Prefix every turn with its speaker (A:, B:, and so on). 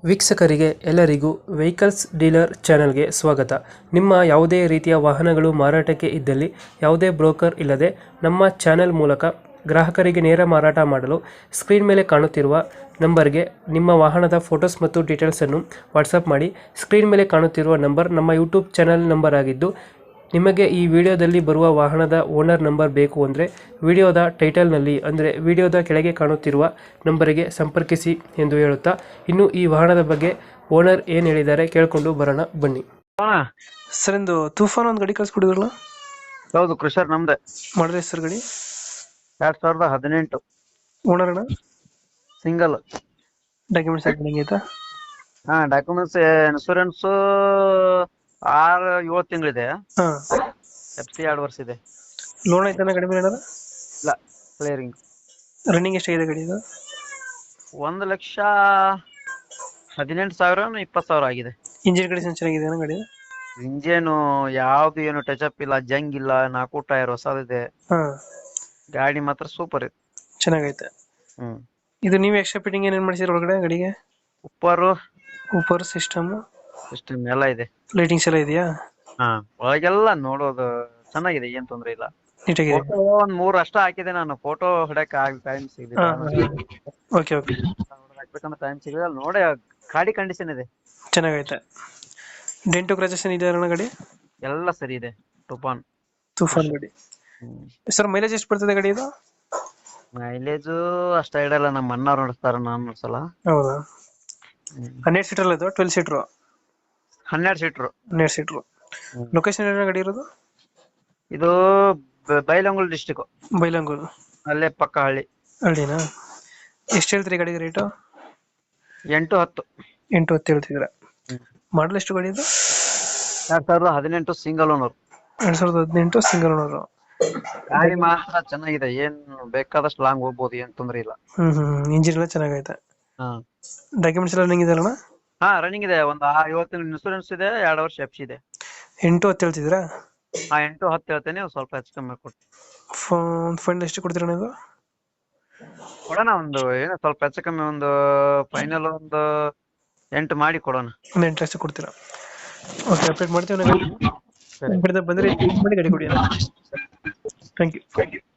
A: ವೀಕ್ಷಕರಿಗೆ ಎಲ್ಲರಿಗೂ vehicles dealer ಚಾನೆಲ್ಗೆ ಸ್ವಾಗತ. ನಿಮ್ಮ ಯಾವುದೇ ರೀತಿಯ ವಾಹನಗಳು ಮಾರಾಟಕ್ಕೆ ಇದ್ದಲ್ಲಿ ಯಾವುದೇ ಬ್ರೋಕರ್ ಇಲ್ಲದೆ ನಮ್ಮ ಚಾನೆಲ್ ಮೂಲಕ ಗ್ರಾಹಕರಿಗೆ ನೇರ ಮಾರಾಟ ಮಾಡಲು ಸ್ಕ್ರೀನ್ ಮೇಲೆ ಕಾಣುತ್ತಿರುವ ನಂಬರ್ಗೆ ನಿಮ್ಮ ವಾಹನದ ಫೋಟೋಸ್ ಮತ್ತು ಡೀಟೇಲ್ಸನ್ನು ವಾಟ್ಸಪ್ ಮಾಡಿ. ಸ್ಕ್ರೀನ್ ಮೇಲೆ ಕಾಣುತ್ತಿರುವ ನಂಬರ್ ನಮ್ಮ ಯೂಟ್ಯೂಬ್ ಚಾನೆಲ್ ನಂಬರ್ ಆಗಿದ್ದು, ನಿಮಗೆ ಈ ವಿಡಿಯೋದಲ್ಲಿ ಬರುವ ವಾಹನದ ಓನರ್ ನಂಬರ್ ಬೇಕು ಅಂದರೆ ವಿಡಿಯೋದ ಟೈಟಲ್ನಲ್ಲಿ ಅಂದರೆ ವಿಡಿಯೋದ ಕೆಳಗೆ ಕಾಣುತ್ತಿರುವ ನಂಬರಿಗೆ ಸಂಪರ್ಕಿಸಿ ಎಂದು ಹೇಳುತ್ತಾ, ಇನ್ನು ಈ ವಾಹನದ ಬಗ್ಗೆ ಓನರ್ ಏನು ಹೇಳಿದ್ದಾರೆ ಕೇಳಿಕೊಂಡು ಬರೋಣ ಬನ್ನಿ. ಸರ್, ಒಂದು ತೂಫಾನ್ ಒಂದು ಗಾಡಿ ಕಳಿಸ್ಕೊಡಿದ್ರಲ್ಲ?
B: ಹೌದು, ಕೃಷರ್ ನಮ್ದೆ.
A: ಮಾಡಿದ್ರೆ ಸರ್ ಗಾಡಿ
B: 2018
A: ಓನರ್ ಅಣ್ಣ?
B: ಸಿಂಗಲ್.
A: ಡಾಕ್ಯುಮೆಂಟ್ಸ್ ಆಯ್ತಾ?
B: ಡಾಕ್ಯುಮೆಂಟ್ಸ್ ಇನ್ಸೂರೆನ್ಸ್ 6-7 ತಿಂಗಳಿದೆ.
A: ಹಾಂ.
B: FC 2 ವರ್ಷ ಇದೆ.
A: ಲೋನ್ ಆಯ್ತಾನ ಗಾಡಿ ಮೇಲೆ ಏನಾರ?
B: ಇಲ್ಲ, ಕ್ಲಿಯರಿಂಗ್.
A: ರನ್ನಿಂಗ್ ಎಷ್ಟಾಗಿದೆ ಗಾಡಿ ಇದು?
B: 1,18,000 20,000 ಆಗಿದೆ.
A: ಇಂಜಿನ್ ಕಂಡೀಷನ್ ಚೆನ್ನಾಗಿದೆ ಗಾಡಿ?
B: ಇಂಜೇನು ಯಾವ್ದು ಏನು ಟಚ್ ಅಪ್ ಇಲ್ಲ, ಜಂಗ್ ಇಲ್ಲ, 4 ಟೈರ್ ಹೊಸದಿದೆ.
A: ಹಾಂ.
B: ಗಾಡಿ ಮಾತ್ರ ಸೂಪರ್ ಇದೆ,
A: ಚೆನ್ನಾಗೈತೆ. ಇದು ನೀವು ಎಕ್ಸ್ಟ್ರಾ ಫಿಟ್ಟಿಂಗ್ ಏನೇನು ಮಾಡಿಸಿರ ಒಳಗಡೆ ಗಾಡಿಗೆ? ಉಪ್ಪರ್ ಸಿಸ್ಟಮ್
B: ಎಲ್ಲ ಇದೆ.
A: ಲೈಟಿಂಗ್ಸ್ ಎಲ್ಲ ಇದೆಯಾ?
B: ಒಳಗೆಲ್ಲ ನೋಡೋದು ಚೆನ್ನಾಗಿದೆ, ಏನ್ ತೊಂದ್ರೆ ಇಲ್ಲ.
A: ನೀಟಾಗಿದೆ.
B: ಒಂದ್ 3 ಅಷ್ಟ ಹಾಕಿದೆ ನಾನು. ಫೋಟೋ ಹಿಡಕ್ ಟೈಮ್ ಸಿಗಲಿಲ್ಲ.
A: Okay okay.
B: ಹಾಕ್ಬೇಕಂತ ಟೈಮ್ ಸಿಗಲಿಲ್ಲ. ನೋಡಿ, ಗಾಡಿ ಕಂಡೀಷನ್ ಇದೆ,
A: ಚೆನ್ನಾಗೈತೆ. ಡೆಂಟು ಕ್ರಾಚಸ್ ಇದೆ ಅಣ್ಣ ಗಾಡಿ?
B: ಎಲ್ಲ ಸರಿ ಇದೆ.
A: ತೂಫಾನ್ ಗಾಡಿ. ಸರ್, ಮೈಲೇಜ್ ಎಷ್ಟು ಬರ್ತದೆ ಗಾಡಿ ಇದು?
B: ಮೈಲೇಜ್ ಅಷ್ಟ ಇಡಲ್ಲ, ನಮ್ಮ ಅಣ್ಣ ನೋಡಿಸ್ತಾರ, ನಾನ್ ನೋಡ್ಸಲ್ಲ.
A: ಹೌದಾ? 12 ಸೀಟರ್ ಅಲ್ಲ ಇದು? 12 ಸೀಟರ್?
B: 12 ಸೀಟರ್.
A: 12 ಸೀಟರ್. ಲೊಕೇಶನ್ ಏನೋ ಗಾಡಿ ಇರೋದು?
B: ಇದು ಬೈಲಹೊಂಗಲ ಡಿಸ್ಟಿಕ್.
A: ಬೈಲಹೊಂಗಲ
B: ಅಲ್ಲೇ ಪಕ್ಕ
A: ಹಳ್ಳಿನಾ? ಎಷ್ಟು ಹೇಳ್ತೀರಿ ಗಾಡಿಗೆ ರೇಟು?
B: 8-10.
A: 8-10 ಹೇಳ್ತಿದ್ರ. ಮಾಡಲ್ ಎಷ್ಟು ಗಾಡಿ ಇದು?
B: 2018 ಸಿಂಗಲ್ ಓನರ್.
A: 2018 single owner.
B: ಗಾಡಿ ಮಾತ್ರ ಚೆನ್ನಾಗಿದೆ, ಏನ್ ಬೇಕಾದಷ್ಟು ಲಾಂಗ್ ಹೋಗ್ಬೋದು, ಏನ್ ತೊಂದ್ರೆ ಇಲ್ಲ.
A: ಇಂಜಿನ್ ಎಲ್ಲ ಚೆನ್ನಾಗೈತೆ. ಡಾಕ್ಯುಮೆಂಟ್ಸ್ ಎಲ್ಲ ರನ್ನಿಂಗ್ ಇದೆ ಅಣ್ಣ?
B: ರನ್ನಿಂಗ್ ಇದೆ. ಒಂದು 50 ಇನ್ಸೂರೆನ್ಸ್ ಇದೆ, 2 ವರ್ಷ FC ಇದೆ.
A: 8-10 ಹೇಳ್ತಿದ್ರಾ?
B: 8-10 ಹೇಳ್ತೇನೆ, ಸ್ವಲ್ಪ ಹೆಚ್ಚು ಕಮ್ಮಿ ಕೊಡ್ತೀನಿ.
A: ಫಂಡ್ ಎಷ್ಟು ಕೊಡ್ತೀರಾ ನೀವು?
B: ಕೊಡೋಣ, ಒಂದು ಏನೋ ಸ್ವಲ್ಪ ಹೆಚ್ಚು ಕಮ್ಮಿ, ಒಂದು ಫೈನಲ್ ಒಂದು 8 ಮಾಡಿ ಕೊಡೋಣ.
A: ಒಂದು 8 ಲಕ್ಷ ಕೊಡ್ತೀರಾ? ಓಕೆ, ಅಪ್ಡೇಟ್ ಮಾಡ್ತೀವಿ. ಬಂದರೆ ಮಾಡಿ ಗಾಡಿ ಕೊಡಿ. Thank you.